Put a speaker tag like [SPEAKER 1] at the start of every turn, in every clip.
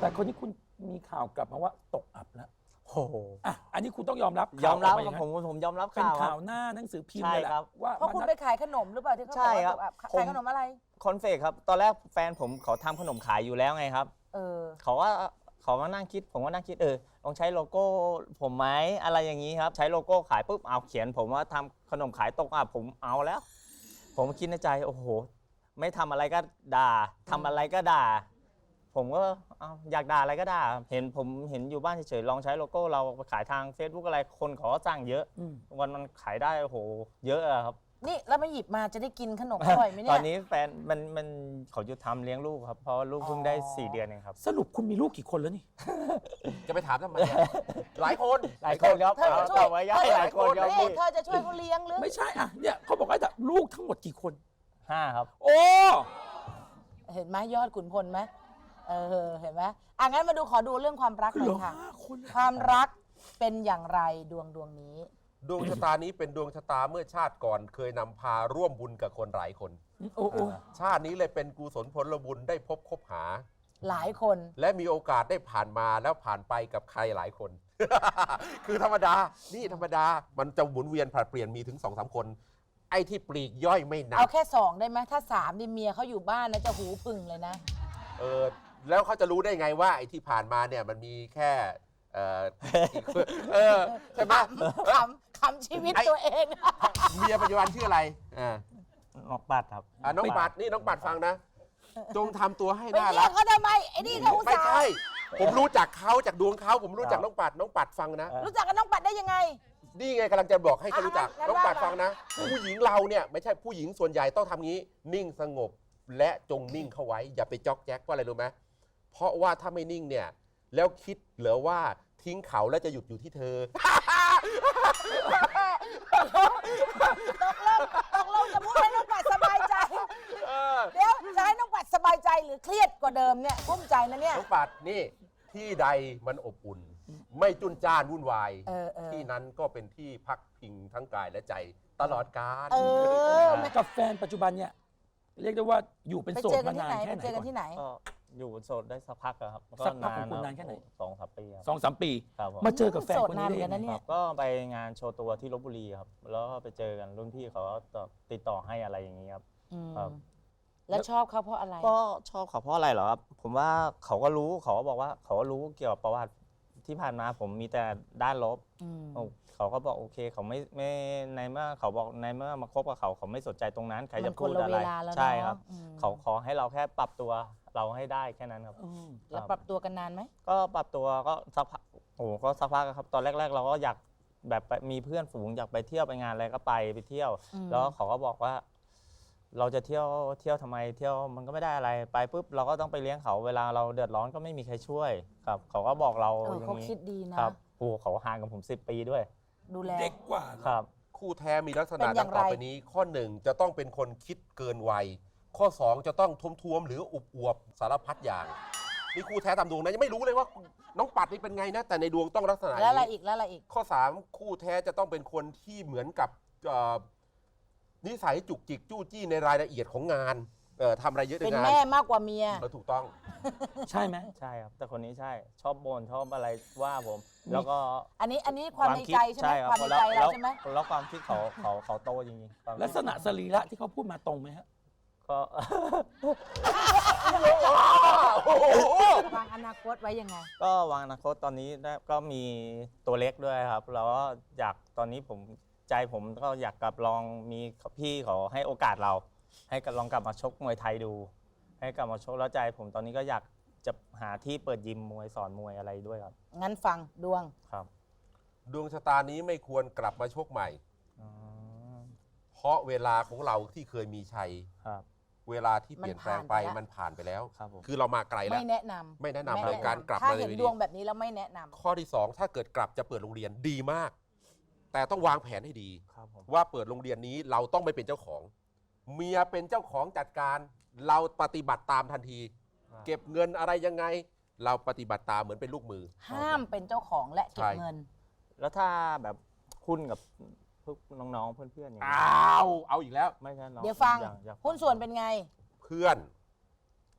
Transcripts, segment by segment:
[SPEAKER 1] แต่คนนี้คุณมีข่าวกลับมาว่าตกอับแล้ว
[SPEAKER 2] โอ้โห
[SPEAKER 1] อ่ะอันนี้คุณต้องยอมรับ
[SPEAKER 2] ยอมรับ
[SPEAKER 1] ข่าว
[SPEAKER 2] ครับผมยอมรับ
[SPEAKER 1] เป็น
[SPEAKER 2] ข่าวค
[SPEAKER 1] ข่า
[SPEAKER 2] รั
[SPEAKER 1] ว
[SPEAKER 2] บ
[SPEAKER 1] หน้าหนังสือพิมพ์
[SPEAKER 2] ใช่
[SPEAKER 1] เลยแหละ
[SPEAKER 2] ครับ
[SPEAKER 1] ว่า
[SPEAKER 3] เพราะคุณไปขายขนมหรือเปล่าที่เขา
[SPEAKER 2] ใช่
[SPEAKER 3] บอก
[SPEAKER 2] ครับ
[SPEAKER 3] ว่าขายขนมอะไร
[SPEAKER 2] คอนเฟกครับ ตอนแรกแฟนผมเขาทำขนมขายอยู่แล้วไงครับ
[SPEAKER 3] เออ
[SPEAKER 2] เขาก็นั่งคิด ผมก็นั่งคิดลองใช้โลโก้ผมไหมอะไรอย่างนี้ครับ ใช้โลโก้ขายปุ๊บเอาเขียนผมว่าทำขนมขายตกอับผมเอาแล้ว ผมคิดในใจโอ้โหไม่ทำอะไรก็ด่าทำอะไรก็ด่า ผมก็เอาอยากด่าอะไรก็ด่าผมเห็นอยู่บ้านเฉยๆลองใช้โลโก้เราไปขายทาง Facebook อะไรคนเขาก็สั่งเยอะ วันมันขายได้โอ้โหเยอะอะครับ
[SPEAKER 3] นี่แล้วมาหยิบมาจะได้กินขนมอร่อยไหม
[SPEAKER 2] ต
[SPEAKER 3] เนี่
[SPEAKER 2] อย นนี้แฟนมันเขาหยุดทำเลี้ยงลูกครับเพราะว่าลูกเพิ่งได้ 4 เดือนเองครับ
[SPEAKER 1] สรุปคุณมีลูกกี่คนแล้วนี่
[SPEAKER 4] จะไปถามทำไมอะหลายคน
[SPEAKER 2] หลายคนครับ
[SPEAKER 3] เธอจะช่วย
[SPEAKER 2] เอาไว้ย่อยหลายคนครับ
[SPEAKER 3] นี่
[SPEAKER 2] พี่
[SPEAKER 3] เธอจะช่วยเขาเลี้ยงหรือ
[SPEAKER 1] ไม่ใช่อ่ะเนี่ยเขาบอกว่าลูกทั้งหมดกี่คน
[SPEAKER 2] 5 ครับ
[SPEAKER 1] โอ้
[SPEAKER 3] เห็นไหมยอดขุนพลไหมเห็นไหมงั้นมาดูขอดูเรื่องความรักห
[SPEAKER 1] เห
[SPEAKER 3] น่
[SPEAKER 1] ลื
[SPEAKER 3] อ
[SPEAKER 1] อย
[SPEAKER 3] ค่ะ
[SPEAKER 1] 5 คน
[SPEAKER 3] ความรักเป็นอย่างไรดวงนี้
[SPEAKER 4] ดวงชะตานี้เป็นดวงชะตาเมื่อชาติก่อนเคยนำพาร่วมบุญกับคนหลายคน
[SPEAKER 1] โอ้โอ้
[SPEAKER 4] ชาตินี้เลยเป็นกุศลผลบุญได้พบคบหา
[SPEAKER 3] หลายคน
[SPEAKER 4] และมีโอกาสได้ผ่านมาแล้วผ่านไปกับใครหลายคน คือธรรมดา นี่ธรรมดา มันจะหมุนเวียนผลัดเปลี่ยนมีถึง 2-3 คน ไอ้ที่ปลีกย่อยไม่นั
[SPEAKER 3] เอา
[SPEAKER 4] บ
[SPEAKER 3] แค่2ได้ไหมถ้า3นี่เมียเขาอยู่บ้านนะจะหูพึ่งเลยนะ
[SPEAKER 4] แล้วเขาจะรู้ได้ไงว่าไอ้ที่ผ่านมาเนี่ยมันมีแค่ใช่ไหม
[SPEAKER 3] ขำชีวิตตัวเอง
[SPEAKER 4] เมียปัจจุบันชื่ออะไร
[SPEAKER 2] นอกปัดครับ
[SPEAKER 4] น้องปัดนี่น้องปัดฟังนะ จงทำตัวให้
[SPEAKER 3] ไป
[SPEAKER 4] น่า
[SPEAKER 3] เรี
[SPEAKER 4] รั
[SPEAKER 3] ย
[SPEAKER 4] ก
[SPEAKER 3] กเขาทำไมไอ้นี่เขาอุต
[SPEAKER 4] ไม่
[SPEAKER 3] ส่า
[SPEAKER 4] ใช่
[SPEAKER 3] ห์
[SPEAKER 4] ผมรู้จักเขาจากดวงเขาผมรู้จักน้องปัดฟังนะ
[SPEAKER 3] รู้จักกับน้องปัดได้ยังไง
[SPEAKER 4] นี่ไงกำลังจะบอกให้เขารู้จัก
[SPEAKER 3] งั้น
[SPEAKER 4] น้องปัด
[SPEAKER 3] ว่ามา
[SPEAKER 4] ฟังนะ ผู้หญิงเราเนี่ยไม่ใช่ผู้หญิงส่วนใหญ่ต้องทำงี้ นิ่งสงบและจงนิ่งเข้าไว้ อย่าไปจ๊อกแจ๊กว่าอะไรรู้ไหมเพราะว่าถ้าไม่นิ่งเนี่ยแล้วคิดเหลือว่าทิ้งเขาแล้วจะหยุดอยู่ที่เธอ
[SPEAKER 3] ตกลงจะพูดให้น้องปัดสบายใจ เดี๋ยวจะให้น้องปัดสบายใจหรือเครียดกว่าเดิมเนี่ยกุ้มใจนะเนี่ย
[SPEAKER 4] น้องปัดนี่ที่ใดมันอบอุ่น ไม่จุนจ้านวุ่นวาย ที่นั้นก็เป็นที่พักพิงทั้งกายและใจตลอดกาล
[SPEAKER 1] กับแฟนปัจจุบันเนี่ยเรียกได้ว่าอยู่เป็น
[SPEAKER 3] ไป
[SPEAKER 1] โส
[SPEAKER 3] เจ
[SPEAKER 1] ด
[SPEAKER 3] อกั
[SPEAKER 1] มาน
[SPEAKER 3] ที่
[SPEAKER 1] นาน
[SPEAKER 3] ไหน
[SPEAKER 1] แค่
[SPEAKER 3] ไป
[SPEAKER 1] ไหน
[SPEAKER 3] เจอกัน
[SPEAKER 1] ก่อน
[SPEAKER 3] ที่ไหน
[SPEAKER 2] ก็อยู่โสดได้สักพักแล้วครับ
[SPEAKER 1] สักพักของคุณนานแค่ไหน
[SPEAKER 2] 2-3 ปีครับ
[SPEAKER 1] 2-3 ปี
[SPEAKER 2] ครับผม
[SPEAKER 1] มาเจอกับแฟน
[SPEAKER 3] โสด
[SPEAKER 1] คน
[SPEAKER 3] นาน
[SPEAKER 1] นี้
[SPEAKER 3] เหมือนกันนะ
[SPEAKER 1] ได้
[SPEAKER 3] เนี่
[SPEAKER 1] ยัง
[SPEAKER 3] ย
[SPEAKER 1] ไง
[SPEAKER 2] ก็ไปงานโชว์ตัวที่ลบบุรีครับแล้วก็ไปเจอกันรุ่นพี่เขาก็ติดต่อให้อะไรอย่างนี้ครับ ครับ
[SPEAKER 3] แล้วชอบเขาเพราะอะไร
[SPEAKER 2] ก็ชอบเขาเพราะอะไรเหรอครับผมว่าเขาก็รู้เขาก็บอกว่าเขาก็รู้เกี่ยวกับประวัติที่ผ่านมาผมมีแต่ด้านลบ เขาก็บอกโอเคเขาไม่ในเมื่อเขาบอกในเมื่อมาคบกับเขาไม่สนใจตรงนั้นใครจะพูดอะไร
[SPEAKER 3] มันคนละเวลาแล้วเนอะ
[SPEAKER 2] ใช่ครับ
[SPEAKER 3] อืม
[SPEAKER 2] เขาขอให้เราแค่ปรับตัวเราให้ได้แค่นั้นครับ
[SPEAKER 3] แล้วปรับตัวกันนานไหม
[SPEAKER 2] ก็ปรับตัวก็สักพักโอ้โหก็สักพักครับตอนแรก ๆ เราก็อยากแบบไปมีเพื่อนฝูงอยากไปเที่ยวไปงานอะไรก็ไปเที่ยว แล้วเขาก็บอกว่า เราจะเที่ยวทำไมเที่ยวมันก็ไม่ได้อะไรไปปุ๊บเราก็ต้องไปเลี้ยงเขาเวลาเราเดือดร้อนก็ไม่มีใครช่วยครับ เขาก็บอกเราอย่าง
[SPEAKER 3] เขา
[SPEAKER 2] นี้
[SPEAKER 3] คิดดีนะครับ
[SPEAKER 2] โอ้เขาห่างกับผม10 ปีด้วย
[SPEAKER 3] ดูแล
[SPEAKER 1] เด็กกว่าเหรอ
[SPEAKER 2] ครับ
[SPEAKER 4] คู่แท้มีลักษ
[SPEAKER 3] เป็
[SPEAKER 4] ณะ
[SPEAKER 3] นอ
[SPEAKER 4] ดั
[SPEAKER 3] ย่าง ง
[SPEAKER 4] ต่อ
[SPEAKER 3] ไร
[SPEAKER 4] ไปนี้ ข้อ 1 จะต้องเป็นคนคิดเกินวัย ข้อ 2 จะต้องท้วมๆหรืออุบอวบสารพัดอย่างนี่คู่แท้ตามดวงนะยังไม่รู้เลยว่าน้องปัดนี่เป็นไงนะแต่ในดวงต้องลักษณะ
[SPEAKER 3] แล้วอะไร
[SPEAKER 4] นี้
[SPEAKER 3] อีกแล้วอะไรอีก
[SPEAKER 4] ข้อ 3 คู่แท้จะต้องเป็นคนที่เหมือนกับนิสัยจุกจิกจู้จี้ในรายละเอียดของงานทำอะไรเยอะใน
[SPEAKER 3] เป็น
[SPEAKER 4] งาน
[SPEAKER 3] แม่มากกว่าเมีย
[SPEAKER 4] ถูกต้อง
[SPEAKER 1] ใช่ไหม
[SPEAKER 2] ใช่ครับ แต่คนนี้ใช่ชอบบ่นชอบอะไรว่าผม แล้วก็
[SPEAKER 3] อันนี้ความในใจใช่ไหม
[SPEAKER 2] ค
[SPEAKER 3] ความ
[SPEAKER 2] รับ
[SPEAKER 3] ในใจเราใช่ไหม
[SPEAKER 2] แล้วความคิดเขาโตจริงๆความคิด
[SPEAKER 1] ลักษณะสรีระที่เขาพูดมาตรงไหมฮะ
[SPEAKER 2] ก็
[SPEAKER 3] วางอนาคตไว้ยังไง
[SPEAKER 2] ก็วางอนาคตตอนนี้ก็มีตัวเล็กด้วยครับ แล้วก็อยากตอนนี้ใจผมก็อยากกลับลองมีพี่เขาให้โอกาสเรา ให้ลองกลับมาชกมวยไทยดู ให้กลับมาชกแล้วใจผมตอนนี้ก็อยากจะหาที่เปิดยิมมวยสอนมวยอะไรด้วยครับ
[SPEAKER 3] งั้นฟังดวง
[SPEAKER 2] ครับ
[SPEAKER 4] ดวงชะตานี้ไม่ควรกลับมาชกใหม่
[SPEAKER 2] อ๋อ
[SPEAKER 4] เพราะเวลาของเราที่เคยมีชัย
[SPEAKER 2] ครับ
[SPEAKER 4] เวลาที่เปลี่ยนแปลงไปมันผ่านไปแล้ว
[SPEAKER 2] ครับผม
[SPEAKER 4] คือเรามาไกลแล้ว
[SPEAKER 3] ไม่แนะนำ
[SPEAKER 4] ไม่แนะนำเลยการกลับ
[SPEAKER 3] ถ้า
[SPEAKER 4] มาเล
[SPEAKER 3] เห็
[SPEAKER 4] ย
[SPEAKER 3] น
[SPEAKER 4] ดี
[SPEAKER 3] ดวงแบบนี้แล้วไม่แนะนำ
[SPEAKER 4] ข้อที่ 2 ถ้าเกิดกลับจะเปิดโรงเรียนดีมาก แต่ต้องวางแผนให้ดี
[SPEAKER 2] ครับผม
[SPEAKER 4] ว่าเปิดโรงเรียนนี้เราต้องไม่เป็นเจ้าของ เมียเป็นเจ้าของจัดการเราปฏิบัติตามทันที เก็บเงินอะไรยังไง เราปฏิบัติตามเหมือนเป็นลูกมือ
[SPEAKER 3] ห้ามเป็นเจ้าของและเก็บ
[SPEAKER 4] ใช่
[SPEAKER 3] เงิน
[SPEAKER 2] แล้วถ้าแบบคุณกับพวกน้องๆเพื่อนๆอย่างนี้
[SPEAKER 4] เอาอีกแล้ว
[SPEAKER 2] ไม่ใช่น้อง
[SPEAKER 3] เดี๋ยวฟัง
[SPEAKER 2] อยาก
[SPEAKER 3] หุ้นส่วนเป็นไง
[SPEAKER 4] เพื่อน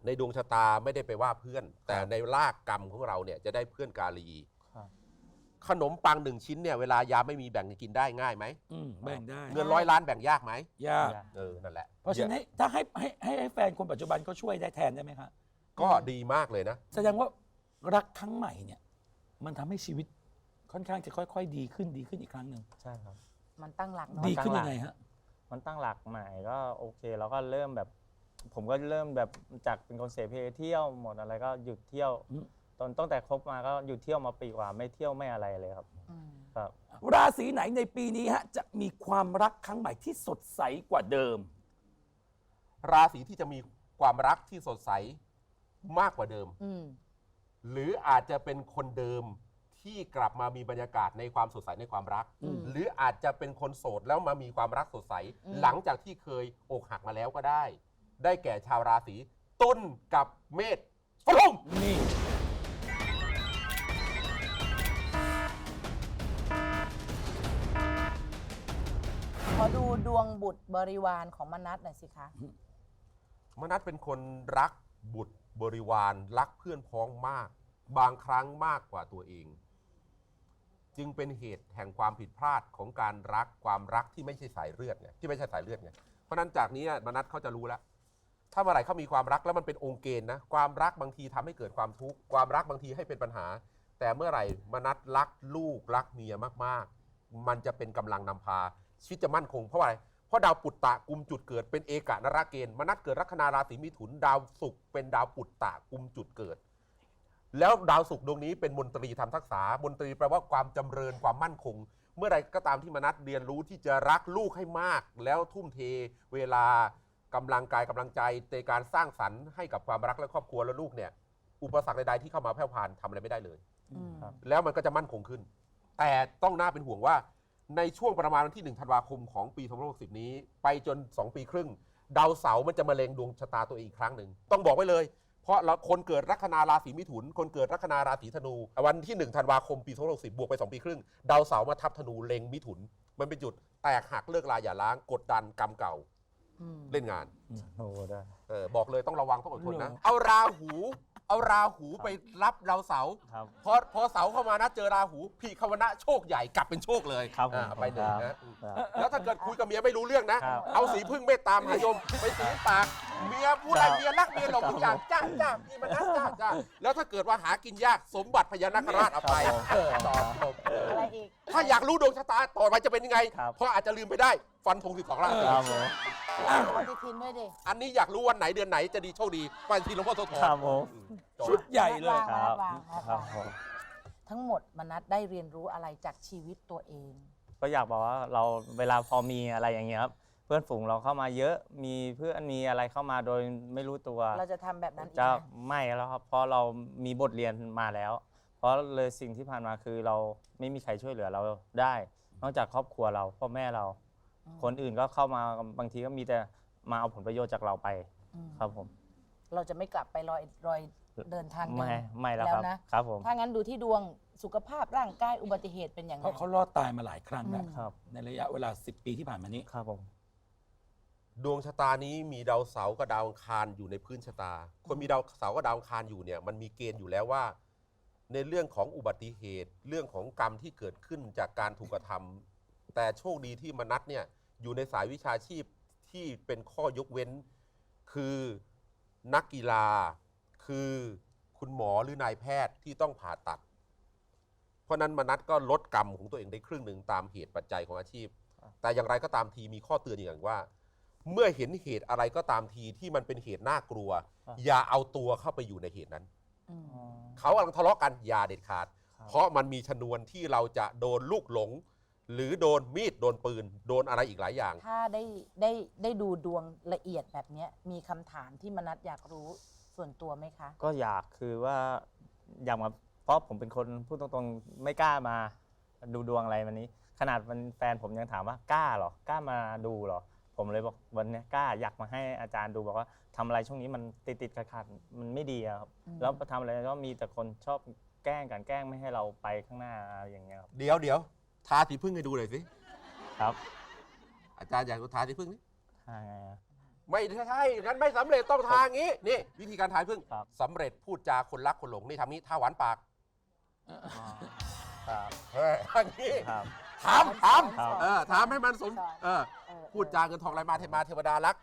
[SPEAKER 4] ในดวงชะตาไม่ได้ไปว่าเพื่อน แต่ในรากกรรมของเราเนี่ยจะได้เพื่อนกาลี
[SPEAKER 2] ครับ
[SPEAKER 4] ขนมปัง1 ชิ้นเนี่ยเวลายามไม่มีแบ่งกินได้ง่ายไหม
[SPEAKER 1] แบ่งได้
[SPEAKER 4] เงิน100 ล้านแบ่งยากไหม
[SPEAKER 1] ยาก
[SPEAKER 4] นั่นแหละ
[SPEAKER 1] เพราะฉะนั้นถ้าให้แฟนคนปัจจุบันเขาช่วยได้แทนได้ไหมคะ
[SPEAKER 4] ก็ดีมากเลยนะ
[SPEAKER 1] แสดงว่ารักครั้งใหม่เนี่ย มันทำให้ชีวิตค่อนข้างจะค่อยๆดีขึ้นอีกครั้งหนึ่ง
[SPEAKER 2] ใช่ครับ
[SPEAKER 3] มันตั้งหลักเนาะ
[SPEAKER 1] ดีขึ้นยังไงฮะ
[SPEAKER 2] มันตั้งหลักใหม่ก็โอเคแล้วก็เริ่มแบบ ผมก็เริ่มแบบจากเป็นคนเสพเที่ยวหมดอะไรก็หยุดเที่ยว
[SPEAKER 1] อืม
[SPEAKER 2] ตั้งแต่คบมาก็หยุดเที่ยวมาปีกว่าไม่เที่ยวไม่อะไรเลยครับ
[SPEAKER 3] อืม
[SPEAKER 2] ครับ
[SPEAKER 1] ราศีไหนในปีนี้ฮะจะมีความรักครั้งใหม่ที่สดใสกว่าเดิม
[SPEAKER 4] ราศีที่จะมีความรักที่สดใสมากกว่าเดิม
[SPEAKER 3] อืม
[SPEAKER 4] หรืออาจจะเป็นคนเดิมที่กลับมามีบรรยากาศในความสดใสในความรัก
[SPEAKER 3] อืม
[SPEAKER 4] หรืออาจจะเป็นคนโสดแล้วมามีความรักสดใส
[SPEAKER 3] อืม
[SPEAKER 4] หลังจากที่เคยอกหักมาแล้วก็ได้ ได้แก่ชาวราศีตุลกับเมษฟลุง
[SPEAKER 1] นี่
[SPEAKER 3] ขอดูดวงบุตรบริวารของมนัสหน่อยสิคะ
[SPEAKER 4] มนัสเป็นคนรักบุตรบริวารรักเพื่อนพ้องมาก บางครั้งมากกว่าตัวเอง จึงเป็นเหตุแห่งความผิดพลาดของการรักความรักที่ไม่ใช่สายเลือดไงที่ไม่ใช่สายเลือดไงเพราะนั้นจากนี้มนัสเขาจะรู้แล้ว ถ้าเมื่อไหร่เขามีความรักแล้วมันเป็นองค์เกณฑ์นะความรักบางทีทำให้เกิดความทุกข์ความรักบางทีให้เป็นปัญหา แต่เมื่อไหร่มนัสรักลูกรักเมียมากๆ มันจะเป็นกำลังนำพาชีวิตจะมั่นคงเพราะอะไรเพราะดาวปุตตะกุมจุดเกิดเป็นเอกนราเกณฑ์มนัสเกิดลัคนาราศีมิถุนดาวศุกร์เป็นดาวปุตตะกุมจุดเกิด แล้วดาวศุกร์ดวงนี้เป็นมนตรีทำทักษะมนตรีแปลว่าความจำเริญความมั่นคง เมื่อใดก็ตามที่มนัสเรียนรู้ที่จะรักลูกให้มาก แล้วทุ่มเทเวลากำลังกายกำลังใจในการสร้างสรรค์ให้กับความรักและครอบครัวและลูกเนี่ยอุปสรรคใดๆที่เข้ามาแผ่วพานทำอะไรไม่ได้เลย
[SPEAKER 3] อืม
[SPEAKER 2] ครับ
[SPEAKER 4] แล้วมันก็จะมั่นคงขึ้น แต่ต้องน่าเป็นห่วงว่าในช่วงประมาณวันที่1 ธันวาคมของปี2560นี้ไปจน2 ปีครึ่งดาวเสาร์มันจะมาเล็งดวงชะตาตัวเองอีกครั้งหนึ่งต้องบอกไว้เลยเพราะคนเกิดลัคนาราศีมิถุนคนเกิดลัคนาราศีธนู วันที่1 ธันวาคมปี2560บวกไป2 ปีครึ่งดาวเสาร์มาทับธนูเล็งมิถุนมันเป็นจุดแตกหักเลิกลาอย่าล้างกดดันกรรมเก่า
[SPEAKER 3] อืม
[SPEAKER 4] เล่นงาน
[SPEAKER 2] โอ้ได้
[SPEAKER 4] บอกเลยต้องระวังต้องอดทนนะ
[SPEAKER 1] เหรอ
[SPEAKER 4] เอาราหูไปรับดาวเสาร์
[SPEAKER 2] ครับ
[SPEAKER 4] พอเสาเข้ามานะเจอราหูพี่คาวนะโชคใหญ่กลับเป็นโชคเลย
[SPEAKER 2] ครับผม
[SPEAKER 4] ไปหนึ่ง
[SPEAKER 2] ครั
[SPEAKER 4] นะ
[SPEAKER 2] บ
[SPEAKER 4] แล้วถ้าเกิดคุยกับเมียไม่รู้เรื่องนะ
[SPEAKER 2] ครับ
[SPEAKER 4] เอาสีพึ่งเมตตามหายมไปสีปากเมียพูดอะไรเมียรักเมียหลงทุกอย่างจ้าพี่มันนะจ้าแล้วถ้าเกิดว่าหากินยากสมบัติพญานาคราชเอาไปต่อจบ
[SPEAKER 3] อะไรอีก
[SPEAKER 4] ถ้าอยากรู้ดวงชะตาต่อไปจะเป็นยังไง
[SPEAKER 2] ครับ
[SPEAKER 4] เพราะอาจจะลืมไปได้ฟันธง12 ราศี
[SPEAKER 2] ครับผม
[SPEAKER 3] ปฏิทินด้วยดิ
[SPEAKER 4] อันนี้อยากรู้วันไหนเดือนไหนจะดีโชคดีปฏิทินหลวงพ่อโสธร
[SPEAKER 2] ครับผม
[SPEAKER 1] ชุดใหญ่เลย
[SPEAKER 2] ครับ
[SPEAKER 3] วาง
[SPEAKER 2] ครับผม
[SPEAKER 3] ทั้งหมดมนัสได้เรียนรู้อะไรจากชีวิตตัวเอง
[SPEAKER 2] ก็อยากบอกว่าเราเวลาพอมีอะไรอย่างเงี้ยครับเพื่อนฝูงเราเข้ามาเยอะมีเพื่อนมีอะไรเข้ามาโดยไม่รู้ตัว
[SPEAKER 3] เราจะทำแบบนั้นอีก
[SPEAKER 2] จะ
[SPEAKER 3] ไหม
[SPEAKER 2] ไม่แล้วครับเพราะเรามีบทเรียนมาแล้ว เพราะเลยสิ่งที่ผ่านมาคือเราไม่มีใครช่วยเหลือเราได้ นอกจากครอบครัวเราพ่อแม่เรา คนอื่นก็เข้ามาบางทีก็มีแต่มาเอาผลประโยชน์จากเราไป
[SPEAKER 3] อืม
[SPEAKER 2] ครับผม
[SPEAKER 3] เราจะไม่กลับไปรอยเดินทางเดิ
[SPEAKER 2] ไม่แล้วครับ
[SPEAKER 3] นะ
[SPEAKER 2] ครับผม
[SPEAKER 3] ถ้างั้นดูที่ดวงสุขภาพร่างกายอุบัติเหตุเป็นอย่าง
[SPEAKER 1] เพ
[SPEAKER 3] ไร
[SPEAKER 1] ราะเขารอดตายมาหลายครั้งแล้ว
[SPEAKER 2] ครับ
[SPEAKER 1] ในระยะเวลา 10 ปีที่ผ่านมานี้
[SPEAKER 2] ครับผม
[SPEAKER 4] ดวงชะตานี้มีดาวเสาร์กับดาวอังคารอยู่ในพื้นชะตา คนมีดาวเสาร์กับดาวอังคารอยู่เนี่ยมันมีเกณฑ์อยู่แล้วว่า ในเรื่องของอุบัติเหตุ เรื่องของกรรมที่เกิดขึ้นจากการถูกกระทำแต่โชคดีที่มนัสเนี่ยอยู่ในสายวิชาชีพที่เป็นข้อยกเว้น คือนักกีฬาคือคุณหมอหรือนายแพทย์ที่ต้องผ่าตัด เพราะนั้นมนัสก็ลดกรรมของตัวเองได้ครึ่งหนึ่งตามเหตุปัจจัยของอาชีพ แต่อย่างไรก็ตามทีมีข้อเตือนอย่างว่า เมื่อเห็นเหตุอะไรก็ตามทีที่มันเป็นเหตุน่ากลัว อย่าเอาตัวเข้าไปอยู่ในเหตุนั้น
[SPEAKER 3] อืม
[SPEAKER 4] เขากำลังทะเลาะกันอย่าเด็ดขาด เพราะมันมีชนวนที่เราจะโดนลูกหลง หรือโดนมีดโดนปืน โดนอะไรอีกหลายอย่าง
[SPEAKER 3] ถ้าได้ดูดวงละเอียดแบบเนี้ยมีคำถามที่มนัสอยากรู้ส่วนตัวไหมคะ
[SPEAKER 2] ก็อยากคือว่าอยากมาเพราะผมเป็นคนพูดตรงๆไม่กล้ามาดูดวงอะไรวันนี้ ขนาดมันแฟนผมยังถามว่ากล้าเหรอกล้ามาดูเหรอผมเลยบอกวันนี้กล้าอยากมาให้อาจารย์ดูบอกว่าทำอะไรช่วงนี้มันติดขัดๆมันไม่ดีอะครับ
[SPEAKER 3] อืม
[SPEAKER 2] แล้วทำอะไรก็มีแต่คนชอบแกล้งกันแกล้งไม่ให้เราไปข้างหน้าอะไรอย่างเงี้ยครับ
[SPEAKER 4] เดี๋ยวทาสีพึ่งให้ดูหน่อยสิ
[SPEAKER 2] ครับ
[SPEAKER 4] อาจารย์อยากดูทาสีพึ่งนี่
[SPEAKER 2] ทางไงอะ
[SPEAKER 4] ไม่ใช่งั้นไม่สำเร็จต้องทางนี้นี่วิธีการทายพึ่ง
[SPEAKER 2] ครับ
[SPEAKER 4] สำเร็จพูดจาคนรักคนหลงนี่ทำนี้ท่าหวานปาก
[SPEAKER 2] ครับ
[SPEAKER 4] ทางนี้
[SPEAKER 2] ครับ
[SPEAKER 4] ถาม
[SPEAKER 2] ครับ
[SPEAKER 4] ถามให้มันสมพูดจาเงินทองไหลมาเทมาเทวดารัก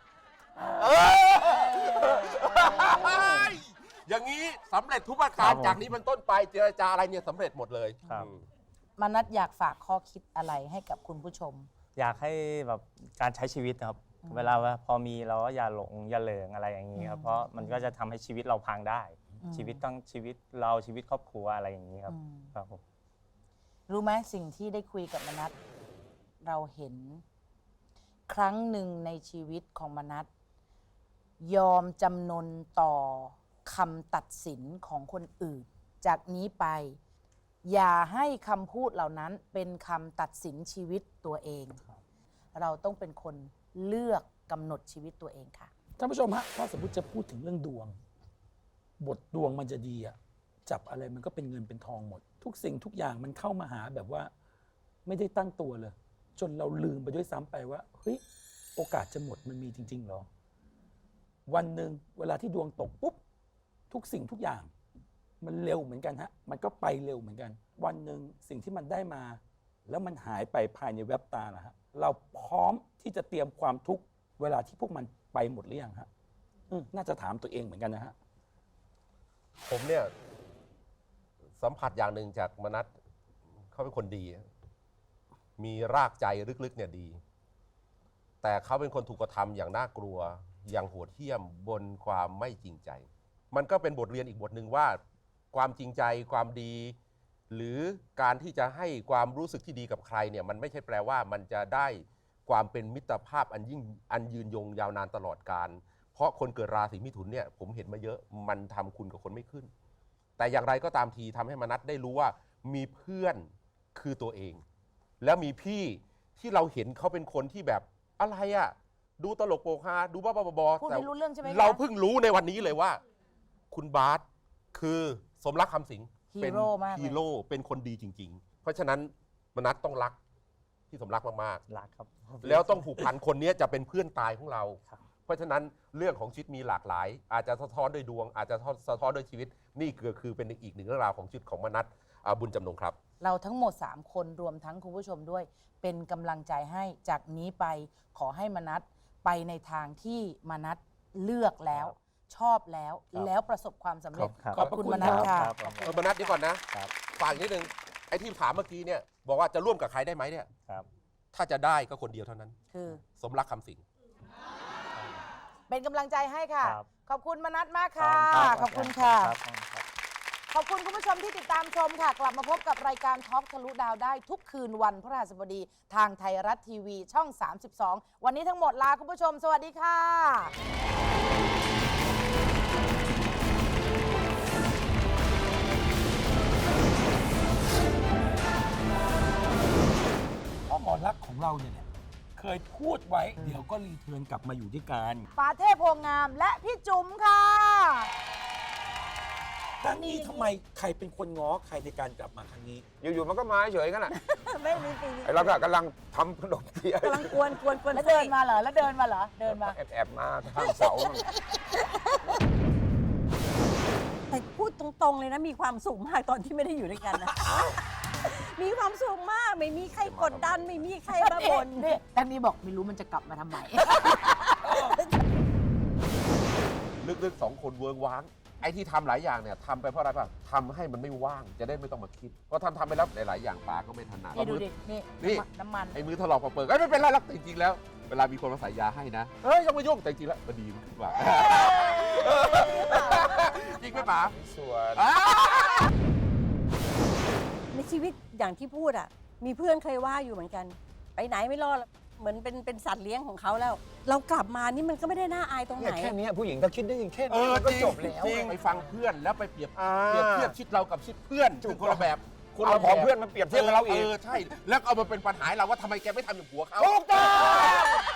[SPEAKER 4] อย่างนี้สำเร็จทุกประการจากนี้เป็นต้นไปเจรจาอะไรเนี่ยสำเร็จหมดเลย
[SPEAKER 2] ครับ
[SPEAKER 3] มนัสอยากฝากข้อคิดอะไรให้กับคุณผู้ชม
[SPEAKER 2] อยากให้แบบการใช้ชีวิตนะครับ เวลาว่าพอมีเราก็อย่าหลงอย่าเหลิงอะไรอย่างนี้ครับ เพราะมันก็จะทำให้ชีวิตเราพังได้ ชีวิตต้องชีวิตเราชีวิตครอบครัวอะไรอย่างนี้ครับ ครับผม
[SPEAKER 3] รู้ไหมสิ่งที่ได้คุยกับมนัสเราเห็นครั้งหนึ่งในชีวิตของมนัสยอมจำนนต่อคำตัดสินของคนอื่น จากนี้ไป อย่าให้คำพูดเหล่านั้นเป็นคำตัดสินชีวิตตัวเอง เราต้องเป็นคนเลือกกำหนดชีวิตตัวเองค่ะ
[SPEAKER 1] ท่านผู้ชมฮะถ้าสมมติจะพูดถึงเรื่องดวง บทดวงมันจะดีอะจับอะไรมันก็เป็นเงินเป็นทองหมด ทุกสิ่งทุกอย่างมันเข้ามาหาแบบว่าไม่ได้ตั้งตัวเลย จนเราลืมไปด้วยซ้ำไปว่าเฮ้ยโอกาสจะหมดมันมีจริงๆหรอ วันหนึ่งเวลาที่ดวงตกปุ๊บทุกสิ่งทุกอย่าง มันเร็วเหมือนกันฮะมันก็ไปเร็วเหมือนกัน วันหนึ่งสิ่งที่มันได้มา แล้วมันหายไปภายในแวบตานะฮะเราพร้อมที่จะเตรียมความทุกข์เวลาที่พวกมันไปหมดหรือยังฮะน่าจะถามตัวเองเหมือนกันนะฮะ
[SPEAKER 4] ผมเนี่ยสัมผัสอย่างหนึ่งจากมนัสเขาเป็นคนดี มีรากใจลึกๆเนี่ยดี แต่เขาเป็นคนถูกกระทำอย่างน่ากลัวอย่างโหดเหี้ยมบนความไม่จริงใจ มันก็เป็นบทเรียนอีกบทหนึ่งว่า ความจริงใจความดี หรือการที่จะให้ความรู้สึกที่ดีกับใครเนี่ยมันไม่ใช่แปลว่ามันจะได้ความเป็นมิตรภาพอันยืนยงยาวนานตลอดกาลเพราะคนเกิดราศีมิถุนเนี่ยผมเห็นมาเยอะมันทำคุณกับคนไม่ขึ้น แต่อย่างไรก็ตามทีทำให้มนัสได้รู้ว่ามีเพื่อนคือตัวเอง แล้วมีพี่ที่เราเห็นเขาเป็นคนที่แบบอะไรอะดูตลกโปกฮาดูบ้าๆบอๆ
[SPEAKER 3] พูดไม่รู้เรื่องใช่ไหมคะ
[SPEAKER 4] เราเพิ่งรู้ในวันนี้เลยว่า คุณบาสคือสมรักคำสิง
[SPEAKER 3] ฮีโร่มากเลย
[SPEAKER 4] ฮีโร่เป็นคนดีจริง ๆ เพราะฉะนั้นมนัสต้องรักที่สมรักมาก
[SPEAKER 2] รักครับ
[SPEAKER 4] ๆแล้วต้องผูกพันคนนี้จะเป็นเพื่อนตายของเรา
[SPEAKER 2] ครับ
[SPEAKER 4] เพราะฉะนั้นเรื่องของชีวิตมีหลากหลาย อาจจะสะท้อนด้วยดวง อาจจะสะท้อนด้วยชีวิตนี่คือเป็นอีกหนึ่งเรื่องราวของชีวิตของมนัสบุญจำนงครับ
[SPEAKER 3] เราทั้งหมด 3 คนรวมทั้งคุณผู้ชมด้วย เป็นกำลังใจให้จากนี้ไปขอให้มนัสไปในทางที่มนัสเลือกแล้ว ชอบแล้ว
[SPEAKER 2] ครับ
[SPEAKER 3] แล้วประสบความสำเร็จ
[SPEAKER 2] ครับ
[SPEAKER 3] ขอบคุณมนัสค่ะ
[SPEAKER 2] ครับ
[SPEAKER 4] มนัสเดี๋ยวก่อนนะครับ ฝากอีกนิดนึงไอ้ที่ถามเมื่อกี้เนี่ยบอกว่าจะร่วมกับใครได้ไหมเนี่ย
[SPEAKER 2] ครับ
[SPEAKER 4] ถ้าจะได้ก็คนเดียวเท่านั้น
[SPEAKER 3] คือ
[SPEAKER 4] สมรักคำสิง
[SPEAKER 3] เป็นกำลังใจให้ค่ะ
[SPEAKER 2] ครับ
[SPEAKER 3] ขอบคุณมนัสมากค่ะ
[SPEAKER 2] รับ
[SPEAKER 3] ขอบคุณค่ะ
[SPEAKER 2] รับ
[SPEAKER 3] ขอบคุณคุณผู้ชมที่ติดตามชมค่ะ กลับมาพบกับรายการท็อปทะลุดาวได้ทุกคืนวันพฤหัสบดีทางไทยรัฐทีวีช่อง 32 วันนี้ทั้งหมดลาคุณผู้ชม สวัสดีค่ะ
[SPEAKER 1] เพราะหมอรักษณ์ของเราเนี่ยเคยพูดไว้ เดี๋ยวก็รีเทิร์นกลับมาอยู่ด้วยกัน
[SPEAKER 3] ปาเทพโพงามและพี่จุ๋มค่ะ
[SPEAKER 1] ครั้งนี้ทำไมใครเป็นคนง้อใครในการกลับมาครั้งนี้
[SPEAKER 5] อยู่ๆมันก็มาเฉยๆกันแหละ
[SPEAKER 6] ไม่มีปี
[SPEAKER 5] ไอ้เราก็กำลังทำขนมเทียน
[SPEAKER 6] กำลังกวน
[SPEAKER 3] แล้วเดินมาเหรอ แล้วเดินมาเหรอ เดินมา
[SPEAKER 5] แอบๆมาข้างเสา
[SPEAKER 6] แต่พูดตรงๆเลยนะ มีความสุขมากตอนที่ไม่ได้อยู่ด้วยกันนะ มีความสุขมาก ไม่มีใครกดดัน ไม่มีใครมาบ่น
[SPEAKER 3] นี่ทางนี้บอกไม่รู้มันจะกลับมาทำไม
[SPEAKER 4] ลึกๆ2 คนเวิร์กว้างไอ้ที่ทำหลายอย่างเนี่ยทำไปเพราะอะไรป่ะทำให้มันไม่ว่างจะได้ไม่ต้องมาคิดเพราะทำไปแล้วหลายๆอย่างปากก็ไม่ถนัด
[SPEAKER 3] นี่ดูดิ นี่
[SPEAKER 4] นี่
[SPEAKER 3] น้ำมัน
[SPEAKER 4] ไอ้มือถลอกเปิดไม่เป็นไรหรอกแต่จริงๆแล้ว เวลามีคนมาใส่ยาให้นะเฮ้ยยังไม่ยุ่งแต่จริงๆแล้วมันดีมันกว่าจริงไหมป๋า
[SPEAKER 5] ส่วน
[SPEAKER 6] ในชีวิตอย่างที่พูดอ่ะ มีเพื่อนเคยว่าอยู่เหมือนกัน ไปไหนไม่รอดเหมือนเป็นสัตว์เลี้ยงของเขาแล้ว เรากลับมานี่มันก็ไม่ได้น่าอายตรงไห
[SPEAKER 5] เนี่ย
[SPEAKER 6] น
[SPEAKER 5] แค่เนี้ยผู้หญิงถ้าคิดได้ยิงแค่
[SPEAKER 4] เอ
[SPEAKER 5] นี้
[SPEAKER 4] อ
[SPEAKER 5] มันก็
[SPEAKER 4] จริง
[SPEAKER 5] จบแล้ว
[SPEAKER 4] จริง
[SPEAKER 5] อะ
[SPEAKER 4] ไปฟังเพื่อนแล้วไปเปรียบ
[SPEAKER 5] อ่า
[SPEAKER 4] เทียบชิดเรากับชิดเพื่อน
[SPEAKER 5] ถูก
[SPEAKER 4] ซึ่งคนละแบบ
[SPEAKER 5] คุณเอาของเพื่อนมาเปรียบเทียบกับเราอีก
[SPEAKER 4] ใช่แล้วเอามาเป็นปัญหาให้เราว่าทำไมแกไม่ทำอย่างผัวเขา
[SPEAKER 5] ถูกต้อง